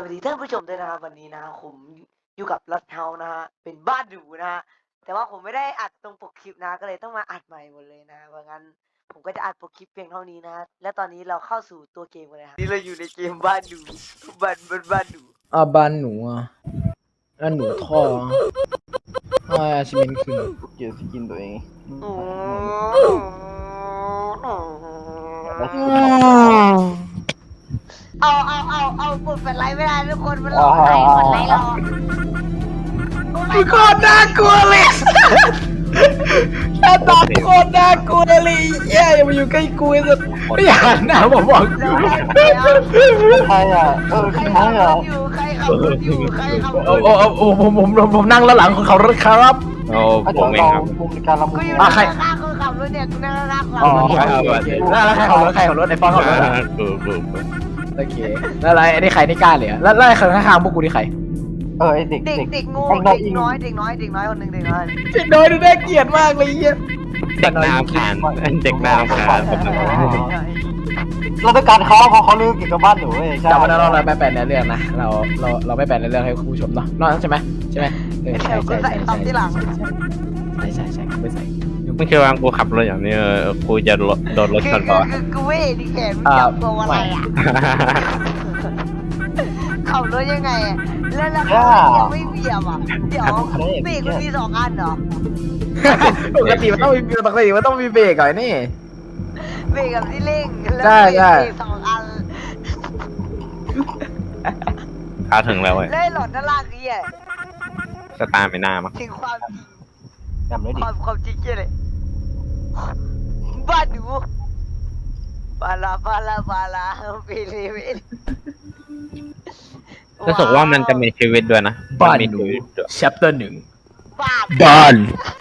วัสดีท่านผู้ชมด้วยนะครับวันนี้นะครับผมอยู่กับรัดเฮานะฮะเป็นบ้านหรูนะฮะแต่ว่าผมไม่ได้อัดตรงปกคลิปนะก็เลยต้องมาอัดใหม่หมดเลยนะเพราะงั้นผมก็จะอัดปกคลิปเพียงเท่านี้นะและตอนนี้เราเข้าสู่ตัวเกมกันเลยครับนี่เราอยู่ในเกมบ้านหรูบ้านหรูบ้านหนูบ้านหนูท่อชิมินขึ้นเกี่ยวสกินตัวเองโอ้เอากดแฟลชไลท์ไม่ได้ทุกคนมันหลอกให้กดไลท์หรอกโคตรน่ากลัวเลยหน้าตาโคตรน่ากลัวเลยแย่อย่ามาอยู่ใกล้กูเลยไม่อยากหันหน้าผมบอกเดี๋ยวให้เดี๋ยวใครอ่ะใครใครขับรอ่ะถอยู่ใครขับรถอยู่ใครขับรถโอ้ผมนั่งแล้วหลังของเขาครับโอ้เดี๋ผยวมเองเราครับคุมการละมุกูนอยู่ใครข้างคนขับรถเนี่ยกูนั่งข้างอ๋อเราแล้วใครขับรถไอ้ฟองขับรถกูโอเคแล้วอะไรไอ้นี่ใครนี่กล้าเลยแล้วใครข้างพวกกูนี่ใครไอเด็กเด็กงูเด็กน้อยคนหนึ่งเด็กน้อยเด็กน้อยดูน่าเกลียดมากเลยเหี้ยเด็กน้ำขานเด็กน้ำขานผมนะเราต้องการเขาเพราะเขารู้เกี่ยวกับบ้านหนูเว้ยใช่จำไว้นะเราไม่แปลในเรื่องนะเราไม่แปลในเรื่องให้คุณผู้ชมเนาะนอกใช่ไหมใช่ใช่ไม่ใส่ไม่คิดว่ากูขับรถอย่างนี้กูจะโดนรถชนก่อนคือกูเว้ยดิแขนมึงจับตัวอะไรอ่ะขับรถยังไงแล้วเขายังไม่เบียบอ่ะเดี๋ยวเบรกมันมี2 อันเหรอปกติมันต้องมีเบรกก่อนนี่เบรกกับที่เร่งแล้วใช่เบรก2 อันเข้าถึงแล้วเว้ยแล้วหลอดด้านล่างคือไงสตาร์ไม่น่ามั้งถึงความจริงจำได้ดิความจริงเลยบ้านหนูบาลาเปเวรู้สึกว่ามันจะมีชีวิตด้วยนะบ้านมีหนูชีวิตด้วย chapter 1 บ้าน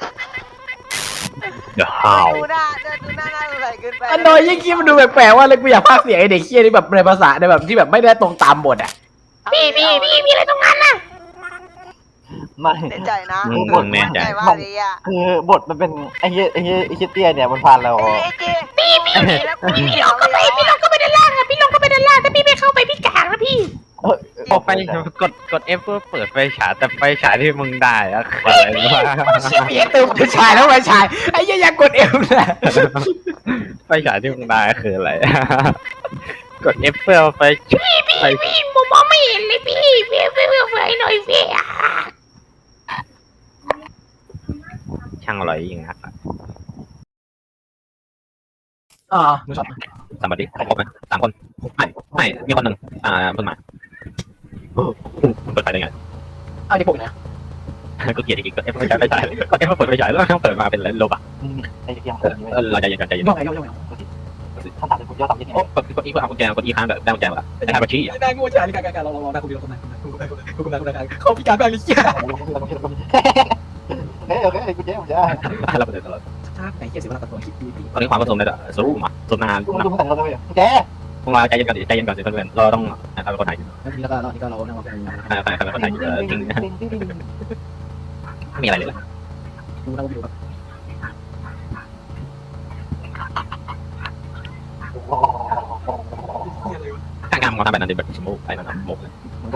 The How ดูหน้าน่าสงสัยเกินไปอันน้อยยิ่งคิดมันดูแปลกๆว่าเลยกูอยากพากย์เสียงไอเด็กเคี้ยนี่แบบในภาษาในแบบที่แบบไม่ได้ตรงตามบทอ่ะพี่มีอะไรตรงนั้นน่ะไม่แน่ใจนะมึงแน่ใจว่าเลยอ่ะคือบทมันเป็นไอ้เหี้ยเตี้ยเนี่ยมันผ่านเราเอ้ยเจพี่ลงเข้าไปด้านล่างอ่ะพี่ลงเข้าไปด้านล่างถ้าพี่ไม่เข้าไปพี่กากนะพี่พอไปกด F เพื่อเปิดไฟฉายแต่ไฟฉายที่มึงได้อะคืออะไรวะเหี้ยตื่นไปชายแล้วไปชายไอ้เหี้ยอยากกดเอวเลยไฟฉายที่มึงได้คืออะไรกด F เพื่อไฟพี่ผมมองไม่เห็นเลยพี่ไฟหน่อยพี่ช่างอร่อยจริงครับมึงชอบสวัสดีครบไหม3 คนไม่มีคนหนึ่งเพิ่งมาเปิดไฟได้ไงเอาที่พวกนะก็เกลียดอีกก็ F ไฟฉายก็ F เปิดไฟฉายแล้วเปิดมาเป็นโลบะไอ้เหี้ยเราใจเย็นใจเย็นย่องไงถ้าตัดเป็นคุณยอดต่ำยังไงโอ้กดอีเพื่อเอากุญแจกดอีค้างแบบได้กุญแจมาได้กุญแจได้งูจ่ายนี่การเราได้คุณเขาพิการแบบนี้เหี้ยโอเคกูเจ๊ผมจะเราเปิดตลอดถ้าไหนเหี้ยเสียเวลาตัดตัวคลิปดีตอนนี้ความผสมได้สูงมาสูงนานกูแต่เราเลยเจ๊พวกเราใจเย็นก่อนใจเย็นก่อนสิเพื่อนเราต้องเอาคนไหนแล้วทีนี้ก็เรานั่งเราเป็นใครเป็นคนไหนจริงไม่มีอะไรเลยดูเราอยู่แบบถ้างานมันทำแบบนั้นแบบสมมุติไปมันหมกเลย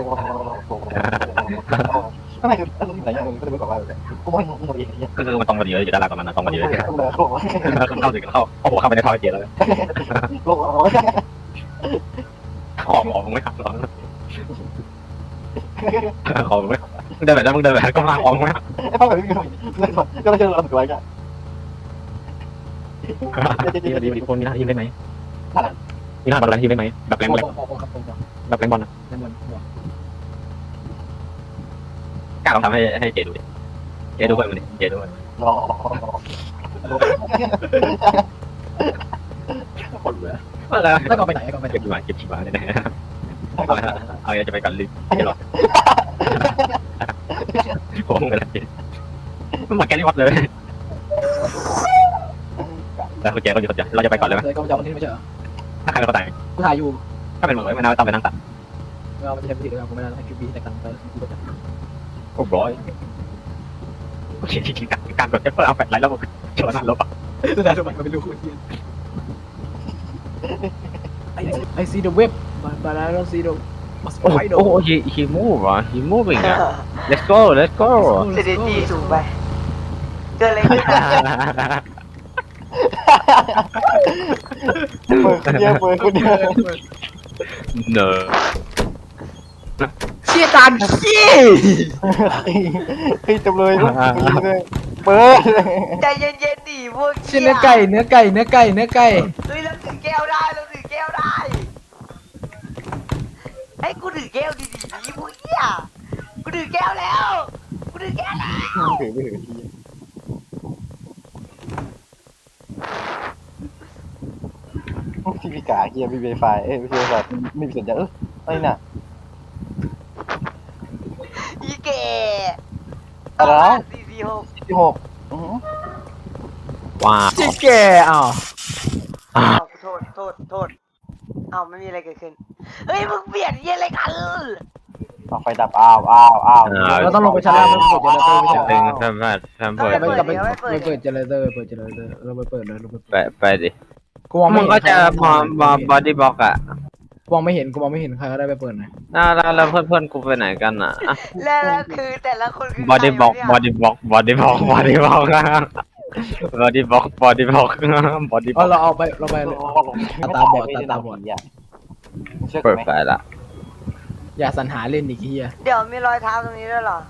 ทำไมคืออะไรอย่างเงี้ยก็เลยบอกว่ากูไม่งงเองเนี่ยก็คือมันตรงกันเยอะอยู่ด้านล่างกับมันตรงกันเยอะเข้าถึงเข้าโอ้โหเข้าไปในท่อเจียแล้วโลกขอมึงไม่ขับหรอกขอมึงไม่เดินแบบนั้นมึงเดินแบบก็มาออกไหมไอ้พ่อแบบนี้ก็ไม่เชื่อเราถูกไว้กันดีทุกคนมีหน้าทีมได้ไหมมีหน้าบอลแรงทีมได้ไหมแบบแรงบอลแบบแรงบอลนะกล้าลองทำให้เจดูดิเจดูเพื่อนมันดิเจดูมันรอคนเหลือแล้วแล้วก็ไปไหนก็ไปไหนเก็บขี้หมาเนี่ยนะเอาจะไปกันลิฟต์ไม่หรอผมกันเลยมันหมดแค่นี้วัดเลยแล้วคุณเจก็อยู่คนเดียวเราจะไปก่อนเลยไหมเลยก็จะวันที่ไม่ใช่เหรอถ้าใครไม่เข้าใจกูถ่ายอยู่ถ้าเป็นเหมือนไม่น่าต้องไปนั่งตัดเราไม่ใช่พิธีเลยกูไม่ได้ให้คิวบีแต่กลางเติร์กูจะโอ้ร้อยโอเคจริงๆการกดเอฟเฟอร์เอาแฟลชไลท์แล้วชนนั่นลบอ่ะสุดท้ายมันเป็นลูกคุณเทียน I see the web but I don't see the โอ้โหhe move อ่ะ he moving อ่ะ let's go let's go เซเดตี้สูงไปเกิดอะไรขึ้นนะเปิดคนเดียวเปิดคนเดียวเนอะเชี่ยจานขี้เฮ้ยจำเลยเปิดใจเย็นๆดิพวกเชี่ยเนื้อไก่เฮ้ยเราถือแก้วได้เราถือแก้วได้ให้กูถือแก้วดีๆพวกเหี้ยกูถือแก้วแล้วกูถือแก้วแล้วถือไม่ถือทีพี่กาเฮียมีไวไฟไม่ใช่ไวไฟไม่มีสัญญาณอะไรน่ะอีเก๋อะไร 446 ที่หกว้าวเชี่ยแก่อ้าวอ้าวโทษอ้าวไม่มีอะไรเกิดขึ้นเฮ้ยมึงเปลี่ยนเหี้ยอะไรกันเอาไฟดับอ้าวเราต้องลงไปชั้นล่างเพื่อเปิดเจเนเรเตอร์ไม่ใช่ตึงแฟมเปิดกลับไปเปิดเจเนเรเตอร์เราไปเปิดเลยไปดิกูมองมึไม่งเห็นก็จะมาบอดี้บล็อกอ่ะกูมองไม่เห็นใครก็ได้ไปเปิดหน่อยแล้วเพื่อนกูไปไหนกันอ่ะแล้วคือแต่ละคนคือบอดี้บล็อกบอดี้บล็อกบอดี้บล็อกบอดี้บล็อกบอดี้บล็อกบอดี้บล็อกบอดี้บล็อกเราไปเลยเปิดไฟละอย่าสรรหาเล่นอีกทีอ่ะเดี๋ยวมีรอยเท้าตรงนี้ด้วยเหรอ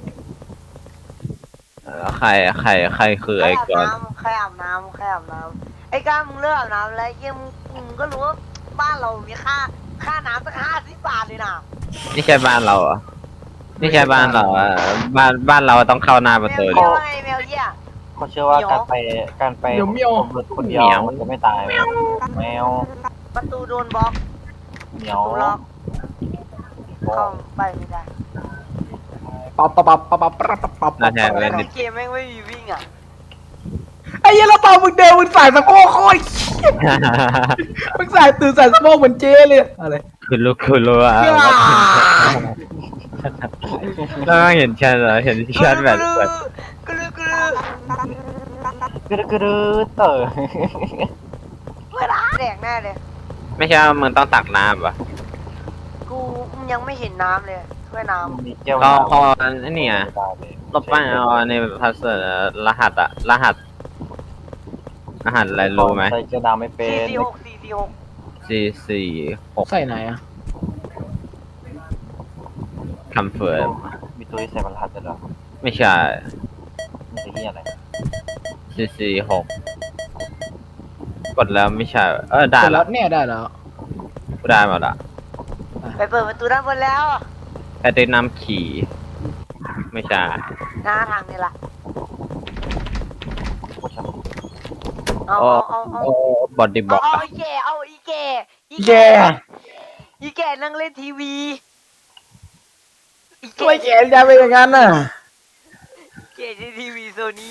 แล้วใครคือไอ้ก่อนใครอาบน้ำไอ้ก้ามึงเลิกอาบน้ำแล้วเยี่ยมึงก็รู้ว่าบ้านเรามีค่าน้ำตั้ง50 บาทเลยนะนี่ใช่บ้านเราเหรอนี่ใช่บ้านเราอ่ะบ้านเราต้องเข้าหน้าประตูแมดิวไงแมวเยี่ยเขาเชื่อว่าการไปคนเดียวมันจะไม่ตายแมวประตูโดนบล็อกเหมีปยระวตูล็อกเข้าไปไม่ได้ปับน่าจะเล่นนิดเกมแม่งไม่มีวิ่งอ่ะไอ้เหี้ยเราตอนมึงเดินมึงใส่สะโพกโคตรมึงใส่ตื่นใส่สะโพกเหมือนเจ๊เลยอะไรคือรู้อ่ะแล้วเห็นชัดเหรอเห็นชัดแบบเปิดกลือกกลือระดือเต๋อเวลาแดกแน่เลยไม่ใช่ว่ามึงต้องตักน้ำป่ะกูยังไม่เห็นน้ำเลยถ้วยน้มีแก้วก็พอนี่ไงลบไปเอาในพัสดุรหัสอะไรรู้ไหมใส่แก้วน้ำไม่ำเป็น 446 446 ใส่ไหนอ่ะคำเฟิร์มมีตัวที่ใส่บรรทัดเหรอไม่ใช่มีตัวที่อะไร 446กดแล้วไม่ใช่ได้เสร็จแล้แล้ว วเนี่ยได้แล้วได้หมดละไปเปิดประตูด้านบนแล้วแต่ได้น้ำขี่ไม่ใช่หน้าทางนี่แหละโอ้ช่างเอาบอดี้บล็อกเอาอีแก่เอาอีแก่แย่อีแก่นั่งเล่นทีวีอีช่วยแขนจะไปอย่างนั้นน่ะแก่ในทีวีโซนี่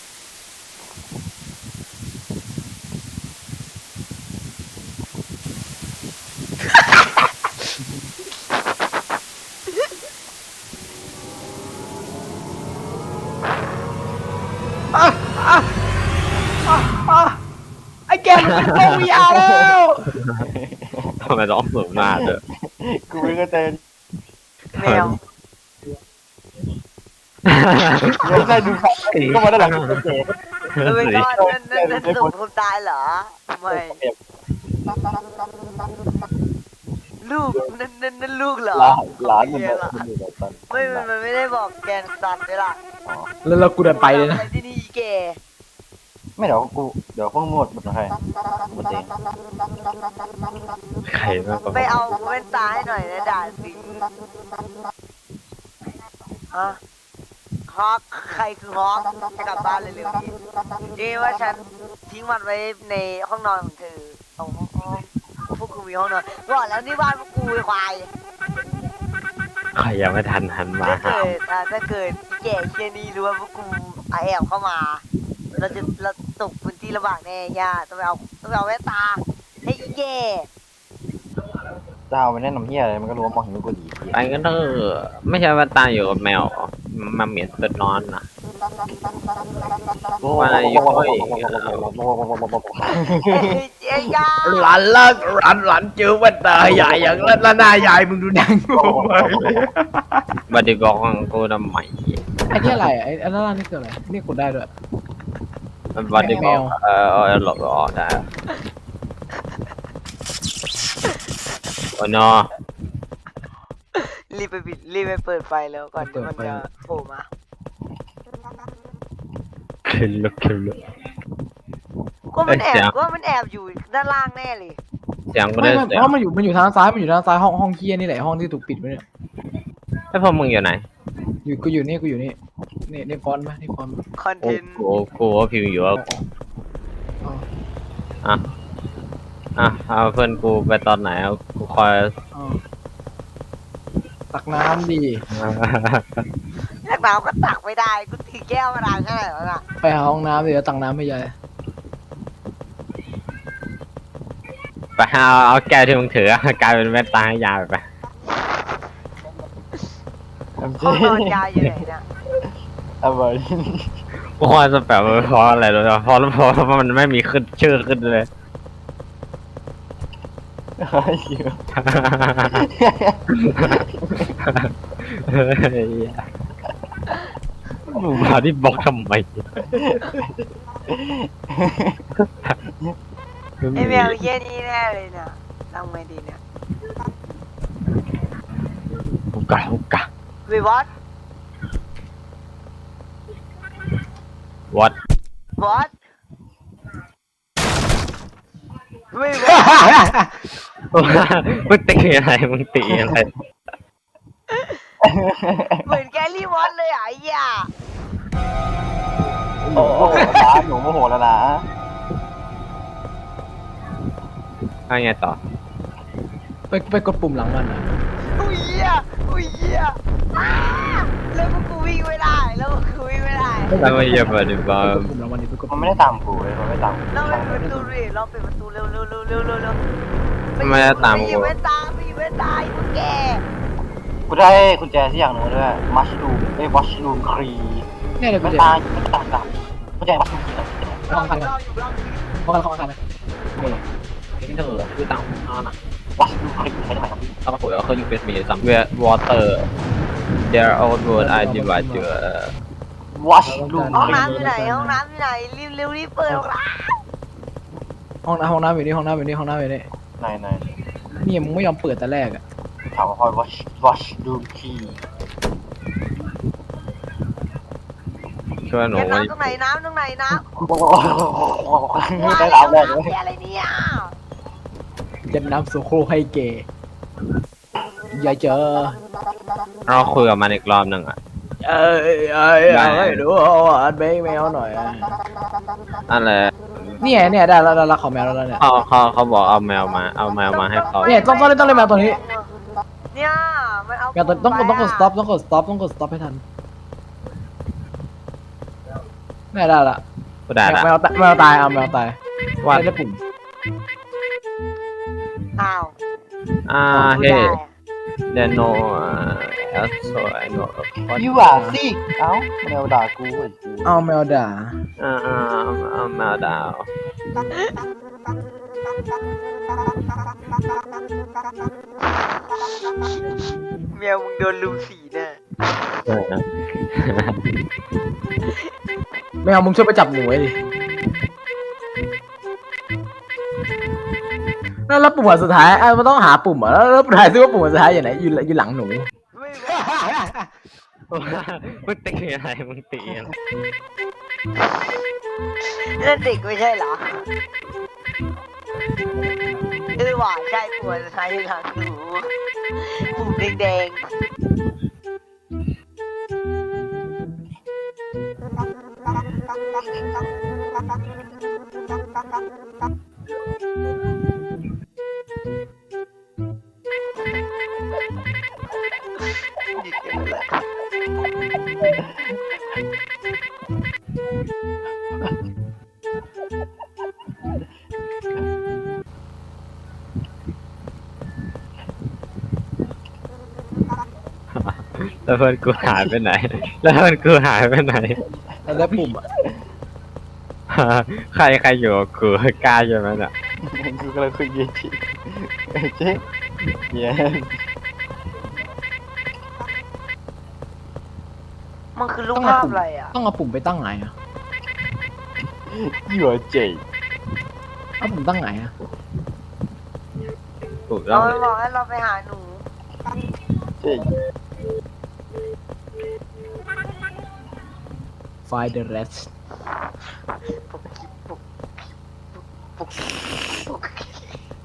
ไอ้แกมันเป็นโควิดแล้วทำไมต้องสูงหน้าเด้อกูไม่เข้าใจแมวไม่ใช่ดูครับก็มาด้านหลังกูเจ๊ไม่ก็นั่นส่งคนตายเหรอไม่ลูกนั่นลูกเหรอหลานมันบอกมันอยู่แบบตอนไม่มันไม่ได้บอกแกนสันเลยล่ะแล้วกูเดินไปเลยนะที่นี่อีแก่ไม่เดี๋ยวพวกหมดใครหมดเองใครมากกว่าไปเอาแว่นตาให้หน่อยนะด่าสิฮะฮอกใครคือฮอกจะกลับบ้านเร็วๆนี้ดีว่าฉันทิ้งมันไว้ในห้องนอนของเธอเอาห้องพวกกูมีห้องนอนบอกแล้วนี่บ้านพวกกูไอ้ควายใครยังไม่ทันหันมาหาถ้าเกิดอีแก่เชี่ยนี่รู้ว่าพวกกูแอบเข้ามา เราตกพื้นที่ลำบากแน่ย่าต้องไปเอาแว่นตาให้อีแก่แดาวมันแนะนำเฮียอะไรมันก็รู้ว่ามองเห็นกูดีไปกันเถอะไม่ใช่ว่าตาอยู่กับแมวมาเหมียนตัวนอนนะ ว่าอยู่เจ๊ยาหลานเลิกหลานเจอแว่นตาใหญ่อย่างแล้วหน้ายายมึงดูดังกูไปบัดดี้บอกกูทำไมไอ้นี่อะไรไอ้อันนั้นนี่คืออะไรนี่กดได้ด้วยบัดดี้บอกแมวหลบออกได้โอ้โนรีบไปเปิดไฟแล้วก่อนที่มันจะโผล่มาคิลเลคิลเลก็มันแอเสียบงก็มันแอบอยู่ด้านล่างแน่เลยเสียงก็ไม่ได้ไม่เสียเพงราะมันอยู่ทางซ้ายห้องเคียนี่แหละห้องที่ถูกปิดไว้เนี่ยไอ้พวกมึงอยู่ไหนกูอยู่นี่นี่ฟอนต์ไหมนี่ฟอนต์คอนเทกูนต์กูว่าพิวอยู่เอาเพื่อนกูไปตอนไหนเอากูคอยตักน้ำดีนักหนาวก็ตักไม่ได้กูถือแก้วมาล้างให้แล้วน่ะไปหาห้องน้ำเดี๋ยวตักน้ำให้ยายไปเอาแก้วที่มึงถือกลายเป็นแว่นตาให้ยาไปห้องนอนยายอยู่ไหนน่ะอะไรกูว่าจะแบบเพราะอะไรรู้ป่ะเพราะมันไม่มีขึ้นชื่อขึ้นเลย มึงมาที่บล็อกทำไมไอแมวเยี่ยนี่แน่เลยเนี่ยทำไงดีเนี่ยฮุกกะวิวอต what วอตวิวอตมึงตีอะไรมึงตีอะไรเหมือนแกรี่วอตเลยอ่ะไอ้เหี้ยโอ้โหหนูโมโหแล้วนะเอาไงต่อไปกดปุ่มหลังมันอ่ะอุ้ยเหี้ยอ้าแล้วกูวิ่งไม่ได้แล้วกูวิ่งไม่ได้แล้วมาเยี่ยมมาดิบ้าไปกดปุ่มหลังมันดิไปกดมันไม่ได้ตามกูเลยมันไม่ตามกูเราปิดประตูดิเราปิดประตูเร็วไปหยิบแว่นตาพวกแกกูได้กุญแจที่อย่างหนึ่งด้วยมัชรูมวัชรูมครีเนี่ยเดี๋ยวกูไม่จะตายไม่ตายกับกุญแจวัชรูมครีห้องกันเราอยู่เราห้องกันเลยนี่ที่เธอคือต่างนอนอ่ะวัชรูมครีใช่ไหมครับถ้ามาคุยกับเขาอยู่เป็นมีซัมเวียร์วอเตอร์ there old word I divide you วัชรูมห้องครีน้ำอยู่ไหนรีบเปิดร้านห้องน้ำอยู่นี่ไหนนี่มึงไม่ยอมเปิดแต่แรกอ่ะถามว่าคอยวัชรูมครีช่วยหนูน้ำตรงไหนน้ำได้แล้วแรกเลยอะไรเนี่ยยันน้ำโซโครให้เกย์อย่าเจอเราคุยกับมันอีกรอบหนึ่งอ่ะให้ดูอัดเบงแมวหน่อยอะไรเนี่ยได้แล้วขอแมวแล้วเนี่ยเขาบอกเอาแมวมาให้เขาเนี่ยต้องเล่นแมวตัวนี้เนี่ยมันเอาแมวตัวต้องกด stop ให้ทันเนี่ยได้ละกูได้ละแมวตายเอาแมวตายว่าได้ปุ่มอ้าวเฮ้เดนโนสวยโนยูอ่ะสิเอ้าแมวด่ากูไอ้กูเอาแมวด่าแมวดาวแมวมึงโดนลุมสีแน่แมวมึงช่วยไปจับหนูไว้ดิแล้วปุ่มสุดท้ายมันต้องหาปุ่มอ่ะแล้วถ่ายซิว่าปุ่มสุดท้ายอยู่ไหนอยู่หลังหนูมึงตีอะไรนั่นเด็กไม่ใช่เหรอว่าใช่ปวดใช่หลังหนูปุ่มแดงแล้วเพื่อนกูหายไปไหน แล้วเพื่อนกูหายไปไหนแล้วปุ่มอะใครอยู่กับกูกล้าใช่ไหมเนี่ยกูกำลังคุยเยจิเจ๊เย้มันคือรูปภาพอะไรอ่ะต้องเอาปุ่มไปตั้งไหนอะยัวเจ๋เอาปุ่มตั้งไหนอะถูกต้เราองบอกให้เราไปหาหนูเจ๋ Find the rest ปุกกิ๊บปุกกิ๊บปุกกิ๊บ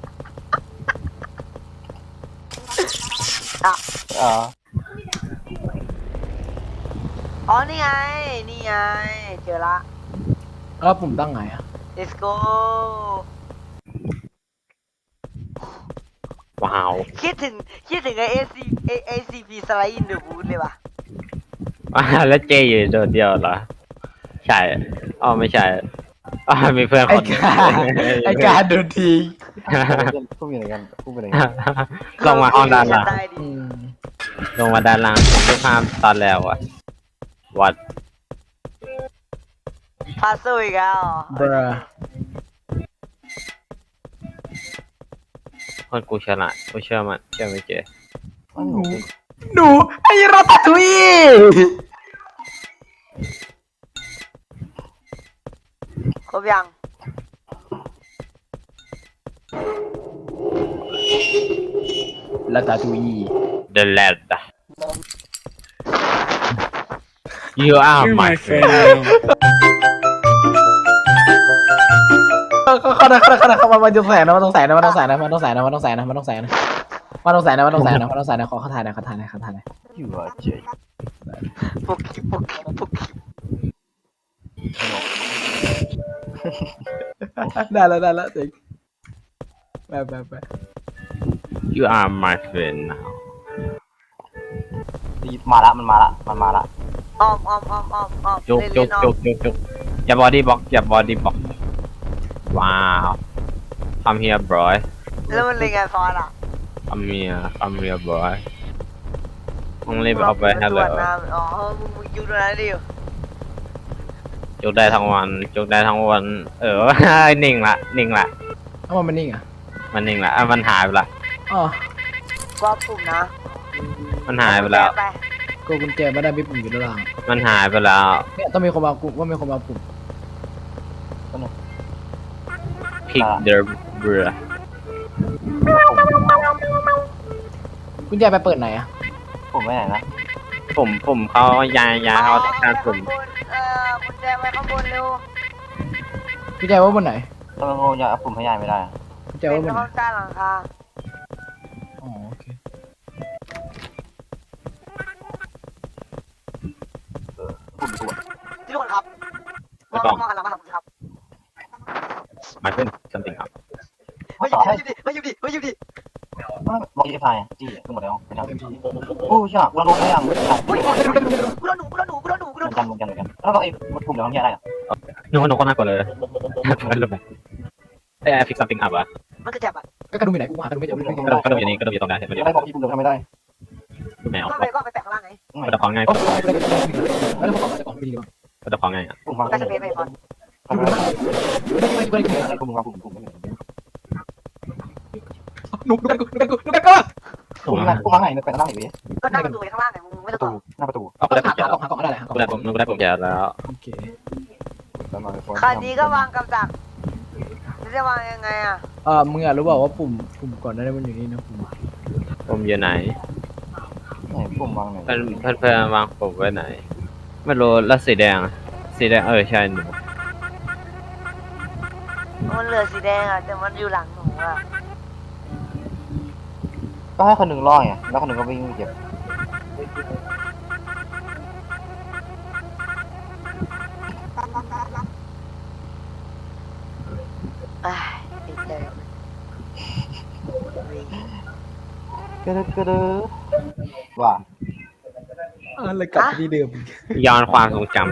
อ่ะอ่าอ๋อนี่ไง นี่ไง เจอละแล้วปุ่มตั้งไหนอะ let's go ว้าวคิดถึงไอ ACP Slide in the Boot เลยว่ะแล้วเจอยู่โดดเดียวเหรอ ใช่อ๋อไม่ใช่อ๋อมีเพื่อนไอ้คนหนึ่งกาไอ้กาโดนทีพูดยังไงกันพูดยังไงกันลงมาห้องด้านล่างใต้ดิอืนมลงมาด้านล่างผมดูภาพตอนแล้วอะวัดพาสู้อีกแล้วเหรอบราคนกูฉลาดกูเชื่อมันเชื่อไม่เจอ้าวหนูเป็นหนูไอ้ราตาทุยครบยังราตาทุย The lad You are my friend เข้ามามันต้องแสงนะมันต้องแสงนะมันต้องแสงนะมันต้องแสงนะมันต้องแสงนะมันต้องแสงนะมันต้องแสงนะมันต้องแสงนะมันต้องแสงนะขอถ่ายหน่อยขอถ่ายหน่อยขอถ่ายหน่อยยัวเจ๋ปุกกิ๊บปุกกิ๊บปุกกิ๊บได้แล้วจริงไป You are my friend now มาละมันมาละอ้อมจุกเล่นๆอ้อมอย่าบอดี้บล็อกอย่าบอดี้บล็อกว้าว Come here boy แล้วมันเล่นไงฟอนอ่ะ Come here boy มึงรีบเอาไปให้เลยอ๋อมึงอยู่ตรงนั้นดิจุกได้ทั้งวัน นิ่งละเอามันนิ่งอ่ะมันนิ่งละมันหายไปละอ๋อว่าปุ่มนะมันหายไปแล้วไปกูกุญแจไม่ได้มีปุ่มอยู่ด้านล่างมันหายไปแล้วเนี่ยต้องมีคนมาปุ่มว่ามีคนมาปุ่ม Pick the bra กุญแจไปเปิดไหนอ่ะผมไม่ไหนนะผมเขาย้ายเขาต้องการปุ่มกุญแจไว้ข้างบนเร็วกุญแจว่าบนไหนทำไมผมอยากผมพยายไม่ได้กุญแจเป็ว่าบนนไหนห้องใต้หลังคาอ๋อโอเคทุกคนครับมองหันหลังมาหาผมครับ My friend something up มาอยู่ดิบอกอีไฟจี้ทั้งหมดแล้วไม่ทำโอ้ยากเราโดนไม่ยังกูโดนหนูเหมือนกันแล้วก็ไอ้ปุ่มเดี๋ยวทำที่อะไรอ่ะนึกว่าหนูก็น่ากลัวเลยลงไปพิก something up อ่ะมันคือแจ็บอ่ะก็กระดุมอยู่ไหนกูหากระดุมไม่เจอกระโดดอยู่นี่กระโดดอยู่ตรงนั้นเห็นไหมอะไรบอกที่ปุ่มเดี๋ยวทำไม่ได้แมวก็ไปแปะข้างล่างไงกระโดดของง่ายโอ้ยไม่ได้บอกไม่ดีหรอกกระโดดของง่ายอ่ะปุ่มวางก็จะเป็นไปฟอนปุ่มวางปุ่มหนุกกันกูปุ่มวางไหนเป็นหน้าไหนเว้ยก็นั่งประตูข้างล่างไงมึงไม่ปต้องระตูหน้าประตูเอาไปได้ผมแก่หากล่องอะไรหากล่องได้ผมแก่แล้วโอเคคันนี้ก็วางกับดักจะวางยังไงอ่ะมึงอยากรู้เปล่าว่าปุ่มก่อนหน้านี้มันอยู่นี่นะปุ่มผมอยู่ไหนไหนปุ่มวางไหนเพื่อนวางผมไว้ไหน ไม่รู้แล้วสีแดงใช่หนูมันเหลือสีแดงอ่ะแต่มันอยู่หลังหนูอ่ะก็ให้คนหนึ่งล่อไงแล้วคนหนึ่งก็วิ่งเก็บติดเลยกระเดว่าอะไรกลับที่เดิมย้อนความทรงจำ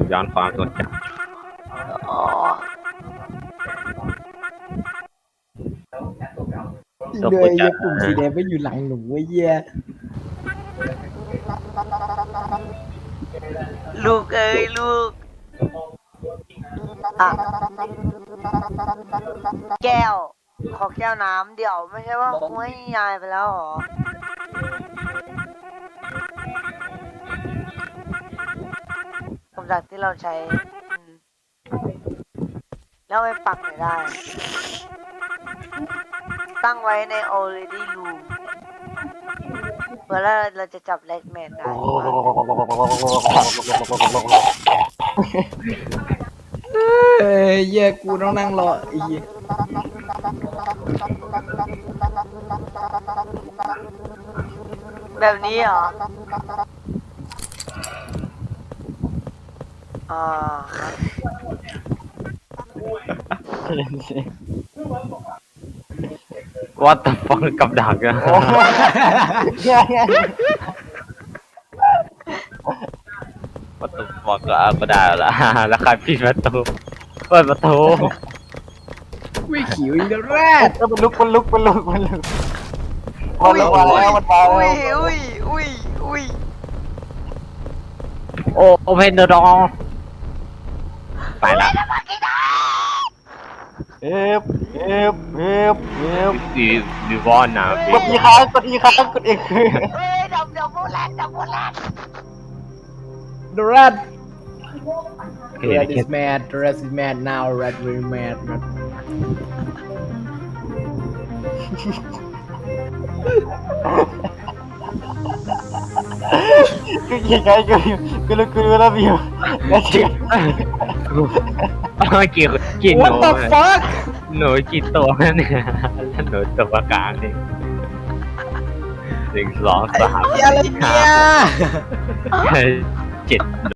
อ๋อเลยปุ่มสีแดงไม่อยู่หลังหนูเว้ยเหี้ยลูกเอ้ยลูกอ่ะแก้ว ขอแก้วน้ำเดี๋ยวไม่ใช่ว่ากูให้ยายไปแล้วเหรอกับดักที่เราใช้แล้วไปปักไหนได้ ตั้งไว้ใน already room เมื่อเราจะจับแลกแมนได้เอ้ยเหี้ยกูต้องนั่งรอไอ้เหี้ยแบบนี้เหรออ่าวัดตะฟองกับดักอะโอ้เฮียเฮียประตูฟองก็ได้ละแล้วใครปิดประตูเปิดประตูไม่ขิวอีกแล้วแรดมันลุกมันมาแล้วมันมาแล้วอุ้ยอุ้ยอุ้ยอุ้ยโอเพนเดอร์ดองไปละเอฟดีวอนนะกดอีค้างกดอีค้างกดอีกเฮ้ยดับโบแลนดับโบแลน The rat เห็น Rat is mad The rat is mad now Rat very mad man คือยังไงกูรู้แล้ววิวแล้วเชื่อกี่ห What นู the fuck หนูกี่ตัวเนี่ยแล้วหนูตัวกลางนี่1 2 3 อะไรเนี่ย 7